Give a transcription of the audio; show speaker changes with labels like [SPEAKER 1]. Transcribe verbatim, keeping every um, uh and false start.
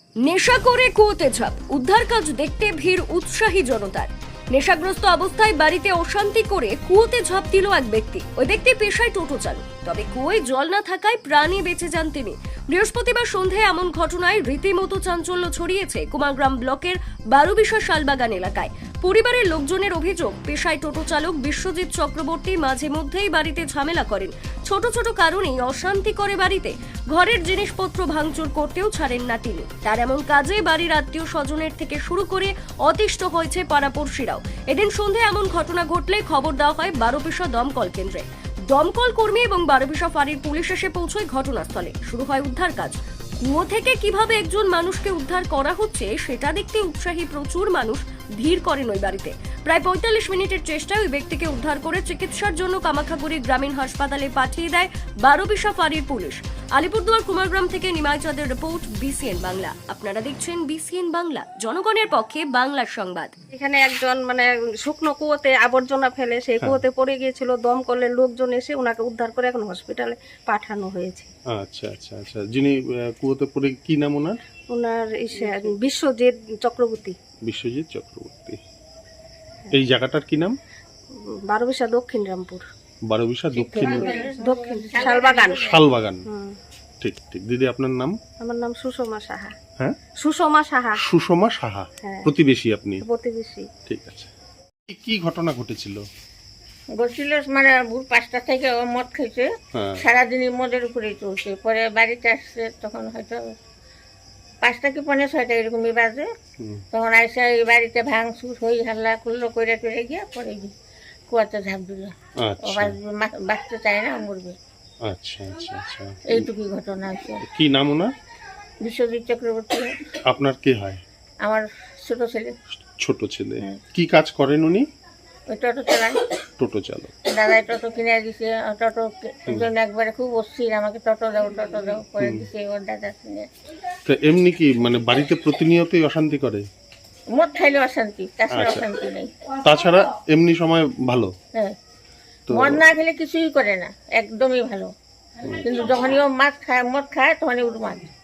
[SPEAKER 1] নেশা করে কুয়োতে ঝাঁপ, উদ্ধার কাজ দেখতে ভিড় উৎসাহী জনতার। নেশাগ্রস্ত অবস্থায় বাড়িতে অশান্তি করে কুয়োতে ঝাঁপ দিল এক ব্যক্তি। ওই ব্যক্তি পেশায় টোটো চালক, তবে কুয়োয় জল না থাকায় প্রাণে বেঁচে যান তিনি। বৃহস্পতিবার সন্ধ্যায় এমন ঘটনায় রীতিমতো চাঞ্চল্য ছড়িয়েছে কুমারগ্রাম ব্লকের বারোবিশা শালবাগান এলাকায়। পরিবারের লোকজনের অভিযোগ, পেশায় টোটো চালক বিশ্বজিৎ চক্রবর্তী মাঝে মধ্যেই বাড়িতে ঝামেলা করেন। ছোট ছোট কারণেই অশান্তি করে বাড়িতে। ঘরের জিনিসপত্র ভাঙচুর করতেও ছাড়েন না তিনি। তার এমন কাজে বাড়ির আত্মীয় স্বজনের থেকে শুরু করে অতিষ্ঠ হয়েছে পাড়াপড়শিরাও। এদিন সন্ধ্যায় এমন ঘটনা ঘটলে খবর দেওয়া হয় বারোবিশা দমকল কেন্দ্রে। দমকল কর্মী এবং বারোবিশা ফাঁড়ির পুলিশ এসে পৌঁছয় ঘটনাস্থলে। শুরু হয় উদ্ধার কাজ। কুয়ো থেকে কিভাবে একজন মানুষকে উদ্ধার করা হচ্ছে সেটা দেখতে উৎসাহী প্রচুর মানুষ ভিড় করেন ওই বাড়িতে। প্রায় পঁয়তাল্লিশ মিনিটের চেষ্টায় ওই ব্যক্তিকে উদ্ধার করে চিকিৎসার জন্য কামাখাগুড়ি গ্রামীণ হাসপাতালে পাঠিয়ে দেয় বারোবিশা ফাঁড়ির পুলিশ। আলিপুরদুয়ার কুমারগ্রাম থেকে নিমাই চাঁদের রিপোর্ট, বিসিএন বাংলা। আপনারা দেখছেন বিসিএন বাংলা, জনগণের পক্ষে বাংলার সংবাদ।
[SPEAKER 2] এখানে একজন মানে শুকনো কুয়োতে আবর্জনা ফেলে সেই কুয়োতে পড়ে গিয়েছিল। দমকলের লোকজন এসে ওনাকে উদ্ধার করে এখন হসপিটালে পাঠানো হয়েছে।
[SPEAKER 3] আচ্ছা আচ্ছা আচ্ছা যিনি আহ, কুয়োতে পড়ে কি নাম ওনার?
[SPEAKER 2] ওনার ইসে- বিশ্বজিৎ চক্রবর্তী,
[SPEAKER 3] বিশ্বজিৎ চক্রবর্তী। এই জায়গাটার কি নাম?
[SPEAKER 2] বারোবিশা দক্ষিণ রামপুর,
[SPEAKER 3] বারোবিশা দক্ষিণ
[SPEAKER 2] দক্ষিণ শালবাগান।
[SPEAKER 3] শালবাগান।
[SPEAKER 2] হুম।
[SPEAKER 3] ঠিক ঠিক। দিদি আপনার নাম?
[SPEAKER 2] আমার নাম সুষমা সাহা।
[SPEAKER 3] হ্যাঁ,
[SPEAKER 2] সুষমা সাহা,
[SPEAKER 3] সুষমা সাহা।
[SPEAKER 2] হ্যাঁ।
[SPEAKER 3] প্রতিবেশী আপনি?
[SPEAKER 2] প্রতিবেশী।
[SPEAKER 3] ঠিক আছে। কি- কি ঘটনা ঘটেছিল?
[SPEAKER 4] বলছিল মানে ভোর পাঁচটা থেকে ও মদ খেয়েছে,
[SPEAKER 3] হ্যাঁ।
[SPEAKER 4] সারাদিনই মদের উপরেই চলছে। পরে বাড়িতে আসছে তখন হয়তো পাঁচটা কি পনেরো ছয়টা এরকমই বাজে।
[SPEAKER 3] হুম।
[SPEAKER 4] তখন আইসা এই বাড়িতে ভাঙচুর হই হাল্লা করলো, করে টরে গিয়ে পরে গিয়ে কুয়াতে ঝাঁপ দিল। ও
[SPEAKER 3] আচ্ছা
[SPEAKER 4] বাঁচবে, মা- বাঁচতে চায় না, মরবে।
[SPEAKER 3] আচ্ছা আচ্ছা আচ্ছা।
[SPEAKER 4] এইটুকুই ঘটনা আছে।
[SPEAKER 3] কি নাম ওনার?
[SPEAKER 4] বিশ্বজিৎ চক্রবর্তী
[SPEAKER 3] আপনার কে হয়?
[SPEAKER 4] আমার ছোট ছেলে,
[SPEAKER 3] ছোট ছেলে।
[SPEAKER 4] হ্যাঁ।
[SPEAKER 3] কি কাজ করেন উনি?
[SPEAKER 4] ওই টোটো চালায়।
[SPEAKER 3] টোটো চালক।
[SPEAKER 4] দাদাই টোটো কিনে দিছে। টোটো জন্য একবারে খুব অস্থির, আমাকে টোটো দাও টোটো দাও করে দিছে ওর দাদা কিনে।
[SPEAKER 3] তো এমনি কি মানে বাড়িতে প্রতিনিয়তই অশান্তি করে?
[SPEAKER 4] মদ খাইলে অশান্তি, তাছাড়া
[SPEAKER 3] আচ্ছা।
[SPEAKER 4] অশান্তি নেই।
[SPEAKER 3] তাছাড়া এমনি সময় ভালো?
[SPEAKER 4] হ্যাঁ,
[SPEAKER 3] তো
[SPEAKER 4] মদ না খেলে কিছুই করে না, একদমই ভালো। কিন্তু যখনই ও মাছ খায়, মদ খায়, তখনই উঠ মাছ।